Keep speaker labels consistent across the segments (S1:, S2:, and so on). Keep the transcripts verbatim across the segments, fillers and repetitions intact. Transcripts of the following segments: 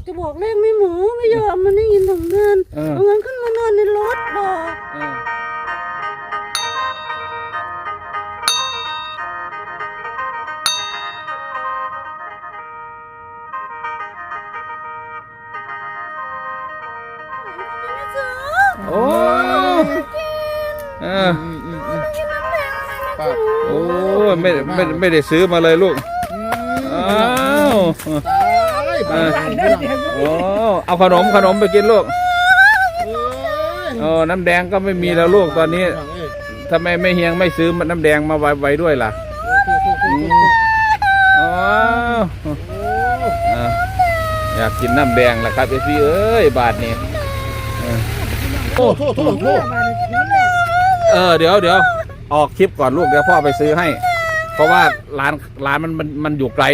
S1: จะบอกเลขไม่หมูไม่ยอมมันได้ยินถุงเงินเอาเงินขึ้นมานอนในรถบอก
S2: โอ้เออโอ้ไม่ไม่ไม่ได้ซื้อมาเลยลูกอ้าวโอ้เอาขนมขนมไปกินลูกโอ้น้ำแดงก็ไม่มีแล้วลูกตอนนี้ทำไมไม่เฮียงไม่ซื้อน้ำแดงมาไว้ไว้ด้วยล่ะอ๋ออยากกินน้ำแดงล่ะครับเอซี่เอ้ยบาทนี้โอ้โทษโทษโทษเออเดี๋ยวเดี๋ยวออกคลิปก่อนลูกเดี๋ยวพ่อไปซื้อให้เพราะว่าร้านร้านมันมันมันอยู่ไกล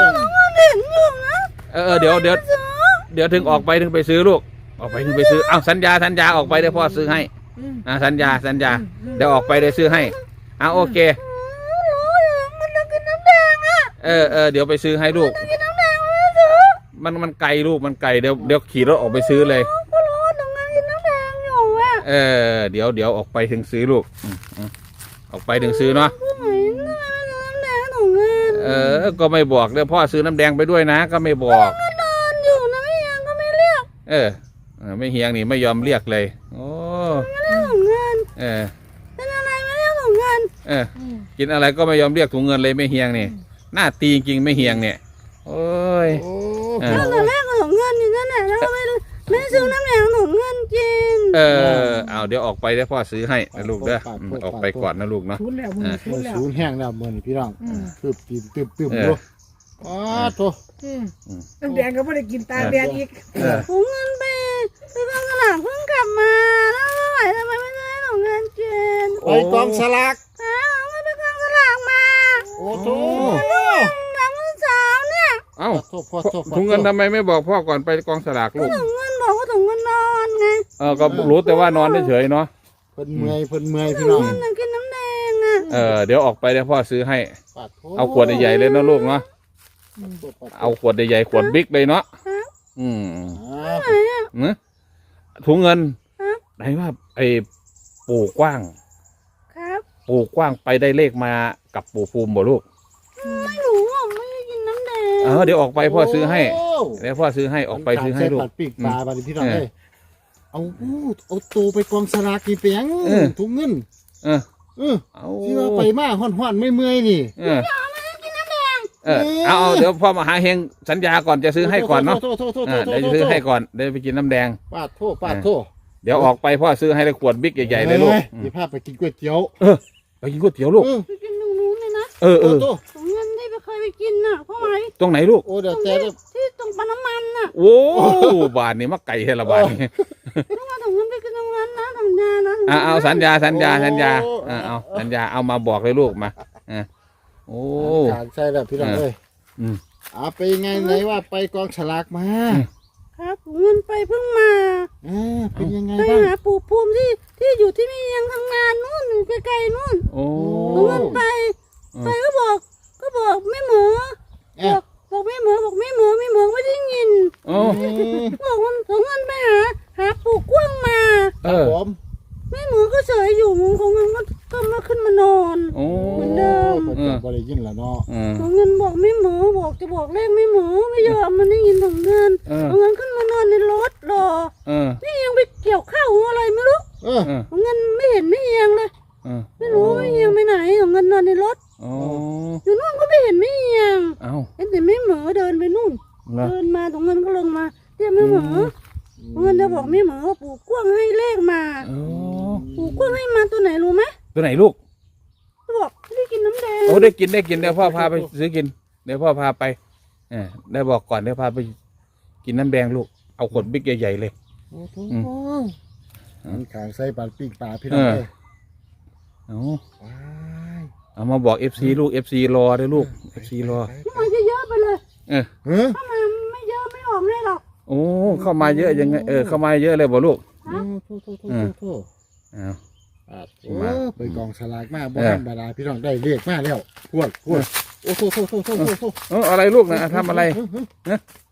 S2: เออเดี๋ยวเดี๋ยวเดี๋ยวถึงออกไปถึงไปซื้อลูกออกไปถึงไปซื้ออ้าวสัญญาสัญญาออกไปเดี๋ยวพ่อซื้อให้อ่าสัญญาสัญญาเดี๋ยวออกไปเดี๋ยวซื้อให้อ่าโอเคเออเออเดี๋ยวไปซื้อให้ลูกมันมันไกลลูกมันไกลเดี๋ยวเดี๋ยวขี่รถออกไปซื้อเลยเออเดี๋ยวเดี๋ยวออกไปถึงซื้อลูกออกไปถึงซื้อเนาะเออก็ไม่บอกเดี๋ยวพ่อซื้อน้ำแดงไปด้วยนะก็ไม่บอกนอนอยู่นะไม่เฮียงก็ไม่เรียกเออไม่เฮียงนี่ไม่ยอมเรียกเลยโอ้ไม่เรียกถุงเงินเออเป็นอะไรไม่เรียกถุงเงินเออกินอะไรก็ไม่ยอมเรียกถุงเงินเลยไม่เฮียงนี่หน้าตีจริงไม่เฮียงเนี่ยโอ้ยแล้วตอนแรกก็ถุงเงินอยู่นั่นแหละแล้วก็ไม่ไม่ซื้อน้ำแดงถุงเงินกินเออเอาเดี๋ยวออกไปได้พ่อซื้อให้นะลูกเด้อออกไปก่อนนะลูกเนาะ
S3: ศูนย์แห้งแล้วมือนี่พี่น้องตืบตีตืบตืบดูอ๋อโถ
S1: น้ำแดงก็ไม่ได้กินตาแดงอีกถุงเงินไปไปกองสลากเพิ่งกลับมาแล้วไม่ไหวทำไมไม่ได้ถุงเงินกิน
S3: ไปกองสลาก
S1: อ้าวไม่ไปกองสลากมา
S3: โอ้โถ
S1: น้ำมือสาวเนี่ย
S2: เอ้าถุงเงินทำไมไม่บอกพ่อก่อนไปกองสลากลูก
S1: ถุงเงินบอกว่าถุงเงินนอนไง
S2: เออก็รู้แต่ว่านอนเฉยๆเนาะ
S3: เพิ่นเมื่อยเพิ่นเมื่อยพี่น้อง
S1: กินน้ำแดงอ่ะ
S2: เออเดี๋ยวออกไปเดี๋ยวพ่อซื้อให้เอาขวดใหญ่ๆเลยนะลูกเนาะเอาขวดใหญ่ๆขวดบิ๊กเลยเนาะอืมเนื้อถุงเงินไหนว่าไอ้ปู่กว้าง
S1: ครับ
S2: ปู่กว้างไปได้เลขมากับปู่ภูมิบ่ลูก
S1: ไม่รู้อ่ะไม่ได้กินน้ำแดง
S2: เออเดี๋ยวออกไปพ่อซื้อให้เดี๋ยวพ่อซื้อให้ออกไปซื้อให้ลูก
S3: ปีกปลาบาดพี่น้องเลยเอาเอาตูไปกองสลากกี่เปียงถุงเงิน
S2: เออ
S3: เออเอาที่ว่าไปมาห่อนๆไม่เมื่อยนี่
S2: เออเออเอาเดี๋ยวพ่อมาหาเฮงสัญญาก่อนจะซื้อให้ก่อนเนาะเดี๋ยวจะซื้อให้ก่อนเดี๋ยวไปกินน้ำแดง
S3: ปาดโทษปาดโทษ
S2: เดี๋ยวออกไปพ่อซื้อให้เลยขวดบิ๊กใหญ่ๆเลยลูก
S3: เดี๋ยวพาไปกินก๋วยเตี๋ยว
S2: เออไปกินก๋วยเตี๋ยวลูก
S1: ไปกินตรงนู้นเลยนะ
S2: เออเออ
S1: ถุงเงินที่ไปเคยไปกินน่ะพ่อไหม
S2: ตรงไหนลูก
S3: โอ้เดี๋ยวแต่
S1: ที่ตรงปั๊มน้ำมันน่ะ
S2: โอ้บาทนี่มักไก่เฮละบาทนี่
S1: ต้องมาถุงเงินไปกินตรงนั้นนะสัญญานะ
S2: อ่าเอาสัญญาสัญญาสัญญาอ่าเอาสัญญาเอามาบอกเลยลูกมาอ่าโอ้
S3: ใช่แล้วพี่น้องเลยอืมอาไปไงไหนว่าไปกองฉลากมา
S1: ครับเงินไปเพิ่งมา
S3: อ่าเป็นยังไง
S1: บ้างไปหาปู่ภูมิที่ที่อยู่ที่นี่ยังทำงานนู่นไกลๆนู่น
S2: โอ้
S1: เงินไปไปก็บอกก็บอกไม่เหมือบอกบอกไม่เหมือบอกไม่เหมือไม่เหมือไม่ได้ยิน
S2: โอ้
S1: บอกว่าถึงเงินไปหาหาปู่กว้างมา
S2: เออ
S1: ไม่เหมือก็เฉยอยู่มึงของเงินก็ก็มาขึ้นมานอนเหมือนเดิม
S3: ก็ได้ยินแล้วเนาะ
S1: ของเงินบอกไม่เหมือบอกจะบอกเลขไม่เหมือไม่ยอมมันได้ยินของเงินของเงินขึ้นมานอนในรถรอนี่ยังไปเกี่ยวข้าวอะไรไม่รู้ของเงินไม่เห็นไม่เอียงเลยไม่รู้ไม่เอียงไปไหนของเงินนอนในรถอยู่นู่นก็ไม่เห็นไม่เอียงเห็นแต่ไม่เหมือเดินไปนู่นเดินมาของเงินก็ลงมาเดี๋ยวไม่เหมือเงินจะบอกไม่เหมือว่าปู่กว้างให้เลขมาปู่กว้างให้มาตัวไหนรู้ไหม
S2: ตัวไหนลูก
S1: บอกได้กินน้ำแดง
S2: โอ้ได้กินได้กินเดี๋ยวพ่อพาไปซื้อกินเดี๋ยวพ่อพาไปเออได้บอกก่อนเดี๋ยวพาไปกินน้ำแดงลูกเอาขวดบิ๊กใหญ่ๆเลย
S3: โอ้โหมันขางใส่ปลาปิ้งปลาพี่น้องเลย
S2: เอาเอามาบอกเอฟซีลูกเอฟซีรอด้วยลูกเอฟซีรอ
S1: มันจะเยอะไปเลย
S2: เออ
S1: ถ้ามาไม่เยอะไม่ออกเลยหรอก
S2: โอ้เข้ามาเยอะยังไงเออเข้ามาเยอะเลยบ่ลูก
S3: โทษโทษโทษโทษเอาไปกองสลากมากบ้านบาดาพี่น้องได้เรียกมากแล้วพวดพวดโอ้โทษโทษโทษโทษโทษ
S2: เอออะไรลูกนะทำอะไร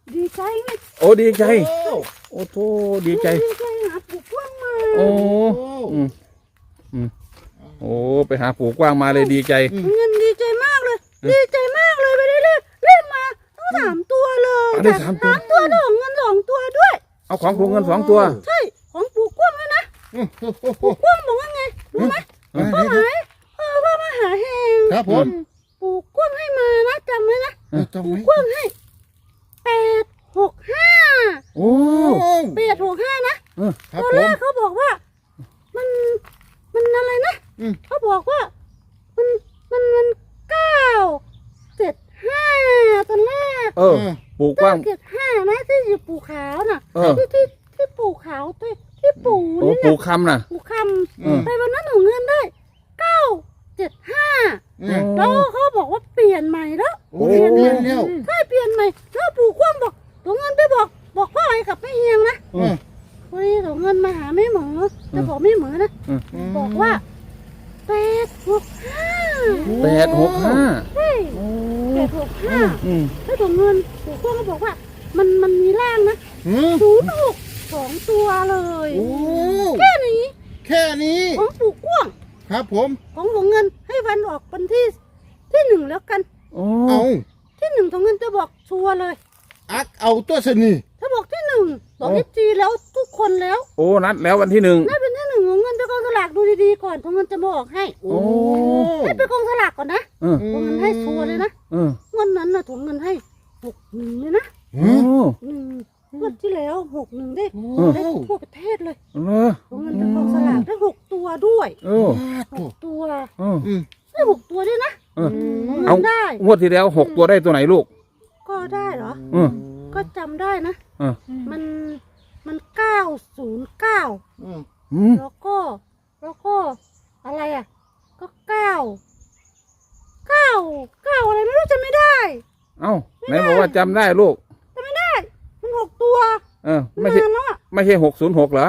S1: ดีใจไง
S2: โอ้ดีใจ
S3: โอ้
S2: โอ้โธ่ดีใจ
S1: ดีใจหาปู่กว้างมา
S2: โอ้อืมอืมโอ้ไปหาปู่กว้างมาเลยดีใจ
S1: เงินดีใจมากเลย ดีใจมากเลยไปได้เล่เล่มาต้องสามตัวเลย
S2: เอาได้สามตัว
S1: สามตัวแล้วของเงินสองตัวด้วย
S2: เอาของปู่เงินสองตัว
S1: ใช่ของปู่กว้างเลยนะ
S3: โอ้โห
S1: ปู่กว้างบอกว่าไงรู้ไหม
S3: มา
S1: พ่อ
S3: เลย
S1: หายเออพ่อมาหาแหง
S3: ครับผม
S1: ปู่กว้างให้มานะจำไว้นะ
S3: เออจำ
S1: ปู่
S3: ไว้
S1: กว้างให้แปดหกห้า
S2: โอ้
S3: โอ้
S1: แปดหกห้านะ
S3: ครับ
S1: ตอน
S3: ผ
S1: แร
S3: ม
S1: กเขาบอกว่า มันมันอะไรนะ
S3: อืม
S1: เขาบอกว่า มันมันมันเก้าเจ็ดห้าตอนแรก
S2: เออปู่กว้าง
S1: เจ็ดห้านะที่อยู่ปู่ขาวน่ะ
S2: เออ
S1: ที่ที่ที่ปู่ขาวที่ที่ปู่
S2: โอ้
S1: นี่
S2: ปู่
S1: นะ
S2: คำน่ะ
S1: ปู่ค
S3: อืม
S1: ำไปวันนั้นหนูเงินได้เก้าเจ็ดห้า
S3: อืม
S1: แล้วเขาบอกว่าเปลี่ยนใหม่แล้ว
S3: โอ้เรียนเรียนแล้ว
S1: ใช่เปลี่ยนใหม่แล้วปู่คว่ำบอกหนูเงินไปบอก บอกพ่อไอ้กับแม่เฮียงนะ
S3: อืม
S1: เฮ้ยหนูเงินมาหาแม่หมอจะบอกแม่หมอนะ บอกว่าแปดหกห้า
S2: แปดหกห้า
S1: ใช่แปดหกห้า
S2: อืม
S1: แล้วถุงเงินปู่กว้างก็บอกว่า มันมันมีร่างนะ
S3: อืม
S1: ศูนย์หกสองตัวเลย
S3: โอ้
S1: แค่นี้
S3: แค่นี้
S1: ของปู่กว้าง
S3: ครับผม
S1: ของถุงเงินให้วันออกวันที่ที่หนึ่งแล้วกัน
S2: โอ้
S3: เอา
S1: ที่หนึ่งถุงเงินจะบอกชัวร์เลย
S3: อักเอาตัวสนี
S1: ถ้าบอกที่หนึ่งบอกเอฟจีแล้วทุกคนแล้ว
S2: โอ้นัดแล้ววันที่หนึ่ง
S1: น่าเป็นที่หนึ่งของเงินไปกองสลากดูดีๆก่อนถุงเงินจะบอกให้
S3: โอ้
S1: ให้ไปกองสลากก่อนนะ
S2: เออ
S1: ถุงเงินให้ชัวร์เลยนะ
S2: เออ
S1: เงินนั้นนะถุงเงินให้หกหนึ่งเลยนะ
S2: โอ้
S1: หนึ่งงวดที่แล้วหกหนึ่งได้
S3: โอ้
S1: ได้ทั่วประเทศเลย
S2: เออ
S1: ถุงเงินไปกองสลากได้หกตัวด้วย
S2: เออ
S1: หกตัว
S2: เออ
S3: อืม
S1: ได้หกตัวด้วยนะ
S2: เออ
S1: ถุง
S2: เอา
S1: เงินได้
S2: งวดที่แล้วหกตัวได้ตัวไหนลูก
S1: ก็ได้เหรอ
S2: เออ
S1: ก็จำได้นะ
S2: เออ
S1: มันมันเก้าศูนย์เก้า
S3: อืม
S2: อืม
S1: แล้วก็แล้วก็อะไรอ่ะ ก็เก้าเก้าเก้าอะไรไม่รู้จะไม่ได้
S2: เอ้าไหนบอกว่าจำได้ลูก
S1: จะไม่ได้ มันหกตัว
S2: เออ ไม่ใช่
S1: นานแล้วอ่ะ
S2: ไม่ใช่หกศูนย์หกเหรอ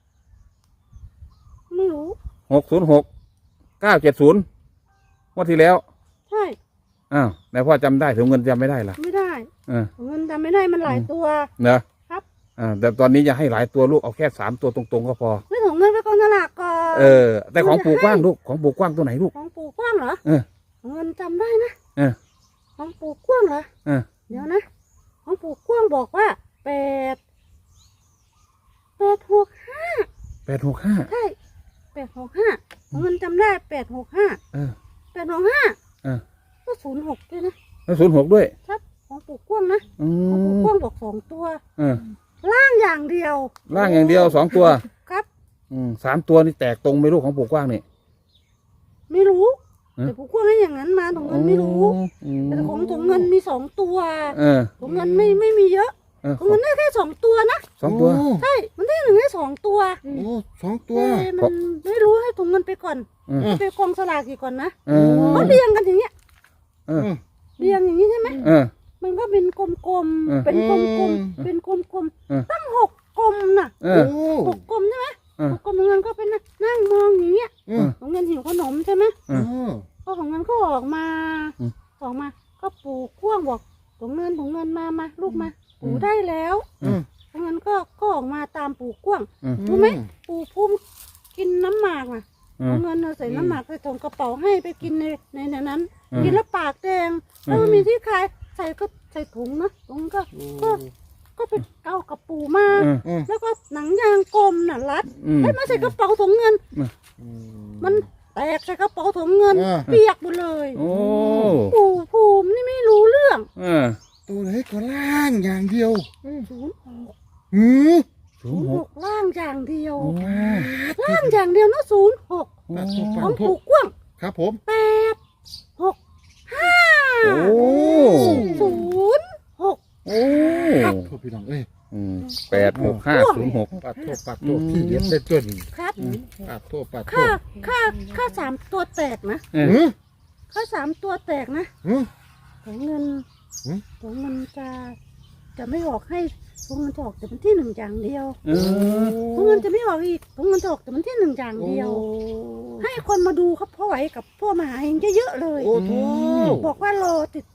S1: ไม่รู้
S2: หกศูนย์หกเก้าเจ็ดศูนย์งวดที่แล้ว
S1: ใช่
S2: อ้าวไหนพ่อจำได้ถึงเงินจำไม่ได้ล่ะ
S1: ไม่ได้
S2: เออ
S1: เงินจำไม่ได้มันหลายตัว
S2: เนอะ
S1: ครับ
S2: อ่าแต่ตอนนี้อย่าให้หลายตัวลูกเอาแค่สามตัวตรงๆก็พอ
S1: ไม่ส่งเงินไปกองสลากก่อน
S2: เออ แต่ของปู่กว้างลูกของปู่กว้างตัวไหนลูก
S1: ของปู่กว้างเหรอ
S2: เออ
S1: เงินจำได้นะ
S2: เออ
S1: ของปู่กว้างเหรอ
S2: เออ
S1: เดี๋ยวนะ ของปู่กว้างบอกว่าแปดแปดหกห้า
S2: แปดหกห้า
S1: ใช่แปดหกห้าเงินจำได้แปดหกห้า
S2: เออ
S1: แปดหกห้า
S2: เออ
S1: ก็ศูนย์หกด้วยนะ
S2: แล้วศูนย์หกด้วย
S1: ครับของปู่กว้างนะ
S2: อื
S1: ของปู่
S2: ม
S1: กว้างบอกสองตัว
S2: เออ
S1: ล่างอย่างเดียว
S2: ล่างอย่างเดียวสองตัว
S1: ครับ
S2: อืมสามตัวนี่แตกตรงไหมลูกของปู่กว้างนี่
S1: ไม่รู้
S2: เอ๊ะ
S1: แต่ปู่กว้างให้อย่างนั้นมาถุงเงินไม่รู้
S2: อืม
S1: แต่ของถุงเงินมีสองตัว
S2: เออ
S1: ถุงเงินไม่ไม่มีเยอะ
S2: เออ
S1: ถุงเงินได้แค่สองตัวนะ
S2: สองตัว
S3: โ
S1: ใช่ มันได้หนึ่งให้สองตัว
S3: โอ้สองตัว
S1: แต่มันไม่รู้ให้ถุงเงินไปก่อน
S2: เออ
S1: ไปกองสลากกี่ก่อนนะ
S2: เออ
S1: เขาเรียงกันอย่างเงี้ย
S2: เออ
S1: เรียงอย่างนี้ใช่ไหม
S2: เออ
S1: มันก็เป็นกลม
S2: เออ
S1: ๆ เป็นกลม
S3: อืม
S1: ๆ เป็นกลม
S2: เออ
S1: ๆ ตั้งหกกลมน่ะ
S2: เอ
S3: โอ้
S2: อ
S1: หกกลมใช่ไหม
S2: เออ
S1: หกกลมของเงินก็เป็นนั่งมองอย่างเงี้ย
S3: อืม
S1: ของเงินหิวขนมใช่ไหม
S2: เออ
S1: ก็ของเงินก็ออกมา
S2: อืม
S1: ออกมา ก็ปู่พ่วงบอกของเงินของเงินมามาลูกมา ปู่
S2: อืม
S1: ได้แล้ว
S3: อืม
S1: ของเงินก็ก็ออกมาตามปู่กว้าง
S2: อืม
S1: รู้ไหม ปู่พุ่มกินน้ำหมากอ่ะ
S2: เอ
S1: ข
S2: อ
S1: องเงินน่ะใส่น้ำหมากใส่ถุงกระเป๋าให้ไปกินในในในนั้น
S2: อืม
S1: กินแล้วปากแดง
S2: อืม
S1: แล้วมันมีที่คายใส่ก็ใส่ถุงนะถุงก็ ก็ ก็ไปเอากับปู่มา
S2: เออ
S3: อืม
S1: แล้วก็หนังยางกลมน่ะรัด
S2: อืม
S1: ให้มาใส่กระเป๋าถุงเงิน มันแตกใส่กระเป๋าถุงเงิน
S3: อ่า
S1: เปียกหมดเลย
S2: โอ้
S1: ปู่ภูมินี่ไม่รู้เรื่อง
S2: เออ
S3: ตัวไหนก็ล่างอย่างเดียว
S1: ศูนย์หก
S3: หืม
S2: ศู
S1: ศู
S2: น
S1: น
S2: ย์
S1: ย์
S2: ห
S1: ห
S2: ก
S1: กล่างอย่างเดียว
S2: โอ้
S1: ล่างอย่างเดียวนะศูนย์หก
S3: ปากโทษ
S1: ข
S3: ปา
S1: อก ง
S3: โท
S1: ปู่
S3: ษ
S1: กว้าง
S3: ครับผม
S1: แปดหกห้า
S2: โอ้
S1: ศูนย์หก
S2: โอ้
S3: โทษพี่น้องเอ้ย
S2: อืมแปดหกห้าศูนย์หก
S3: ปากโทษปากโทษพี่เลี้ยงได้ตัวนี้
S1: ครับ
S3: ปากโทษปากโท
S1: ค่า
S3: ษ
S1: ค่าค่าสามตัวแตกนะ
S2: เออ
S3: หืม
S1: ค่าสามตัวแตกนะ
S3: หืม
S1: ของเงิน
S3: หืม
S1: ของเงินจะจะไม่ออกให้ของเงินจะออกแต่มันที่หนึ่งอย่างเดียว
S2: เออ
S1: ของเงินจะไม่ออกอีกของเงินจะออกแต่มันที่หนึ่งอย่าง
S3: โอ้
S1: เดียว ให้คนมาดูครับพ่อไหวกับพ่อมหาเฮงเยอะๆเลย
S3: โอ้โถ
S1: บอกว่ารอติด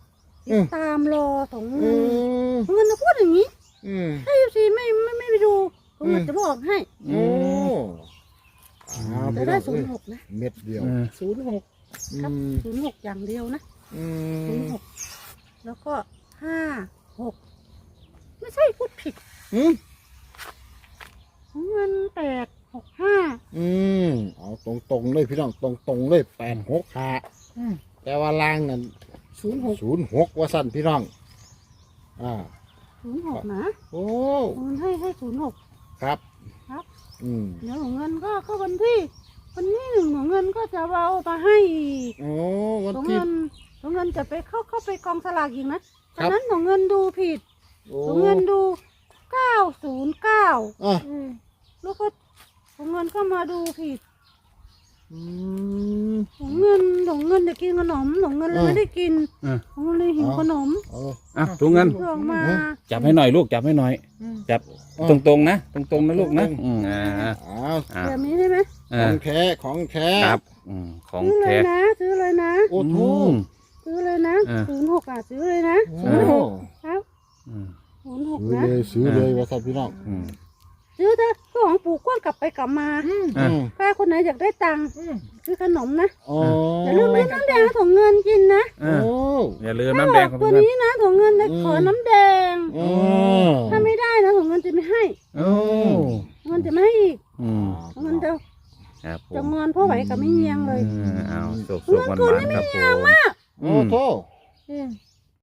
S1: ติดตามรอถุง
S3: อื
S1: เงิน
S3: ม
S1: ถุงเงินจะพูดอย่างนี้
S3: อืม
S1: ถ้าเอฟซีไม่ไม่ไม่ไปดูถุงเงินจะบอกให้
S3: โอ้อ้าว
S1: จะ
S3: พี่น้
S1: ได้
S3: อง
S1: ศู
S3: เอ้
S1: น
S3: ย
S1: ย์หกนะ
S3: เม็ดเดียว
S2: อืม
S1: ศูนย์หกครับ
S3: อืม
S1: ศูนย์หกอย่างเดียวนะ
S3: อื
S1: ศูน
S3: ม
S1: ย์หกแล้วก็ห้าหกไม่ใช่พูดผิด
S3: อืม
S1: ถุงเงินแปดหกห้า
S3: อืมเอาตรงๆเลยพี่น้องตรงๆเลยแปดหกห้าแต่ว่าล่างนั่น
S1: ศูนย์หก
S3: ศูนย์หกว่าสั่นพี่น้องอ่า
S1: ศูนย์หกนะ
S3: โอ้
S1: ถุงเงินให้ให้ศูนย์หก
S3: ครับ
S1: ครับ
S3: อืม
S1: เดี๋ยวถุงเงินก็ก็วันที่วันที่หนึ่งถุงเงินก็จะเอามาให้อีก
S3: โอ้วัน
S1: ถุง
S3: ที่
S1: เงินถุงเงินจะไปเข้าเข้าไปกองสลากอีกนะ
S3: ค
S1: ต
S3: รั
S1: อบ นนั้นถุงเงินดูผิด
S3: โอ้
S1: ถุงเงินดูเก้าศูนย์เก้า
S3: อ่ะ
S1: แล้วก็ถุงเงินก็มาดูผิด
S3: อืม
S1: ถุงเงินถุงเงินจะกินขนมถุงเงินเลย
S3: เออ
S1: ไม่ได้กิน
S2: เออ
S1: ถุงเงินเลยหิว
S3: เอา
S1: ขนม
S3: เอา
S2: อ่ะถุงเงิน
S1: เพื่อออกมา
S2: จับให้หน่อยลูกจับให้หน่อย จับ
S3: อ่ะ
S2: ตรงๆนะตรงๆนะลูกนะอืมอ่า
S3: อ้าว
S2: อ่า
S1: แบบนี้ใช่ไหม
S3: ข
S2: อ่า
S3: องแท้ของแท้
S2: ครับอืมของ
S1: ซื้อเล
S2: แท้
S1: ยนะซื้อเลยนะ
S3: โอ้โห
S2: อืม
S1: ซื้อเลยนะ
S2: อ่า
S1: ศูนย์หกอ่ะซื้อเลยนะ
S3: โอ้
S1: ศูนย์หกครับ
S2: อืม
S1: ศูนย์หก
S3: ซื้อ
S1: นะ
S3: เลยซื้อเลยว่าสั่นพี่น้อง
S2: อืม
S1: ซื้อเถอะเพื่อของปู่กว้างกลับไปกลับมา
S2: อ่ะ
S3: อืม
S1: ป้าคนไหนอยากได้ตังค์ซื้อขนมนะ
S3: อ๋อ
S1: อย่าลืมซื้อน้ำแดงถุงเงินกินนะ
S2: อ่ะ
S3: โอ้
S2: อย่าลืม
S1: ถ้า
S2: น้ำ
S1: บ
S2: แด
S1: อง ก
S2: ของ
S1: ตัว
S2: เงิน
S1: นี้นะถุงเงินเลย
S3: อืม
S1: ขอน้ำแดง
S3: โอ้
S1: ถ้าไม่ได้นะถุงเงินจะไม่ให้
S2: โอ้
S1: ถุงเงินจะไม่ให้อีก
S2: อืม
S1: ถุงเงินจะ
S2: ครับผ
S1: จะ
S2: ม
S1: งอนพ่อไหวกับไม่เงียงเลย
S2: เออเอาสุกๆมันๆครับผม
S3: โอ้โห
S2: อ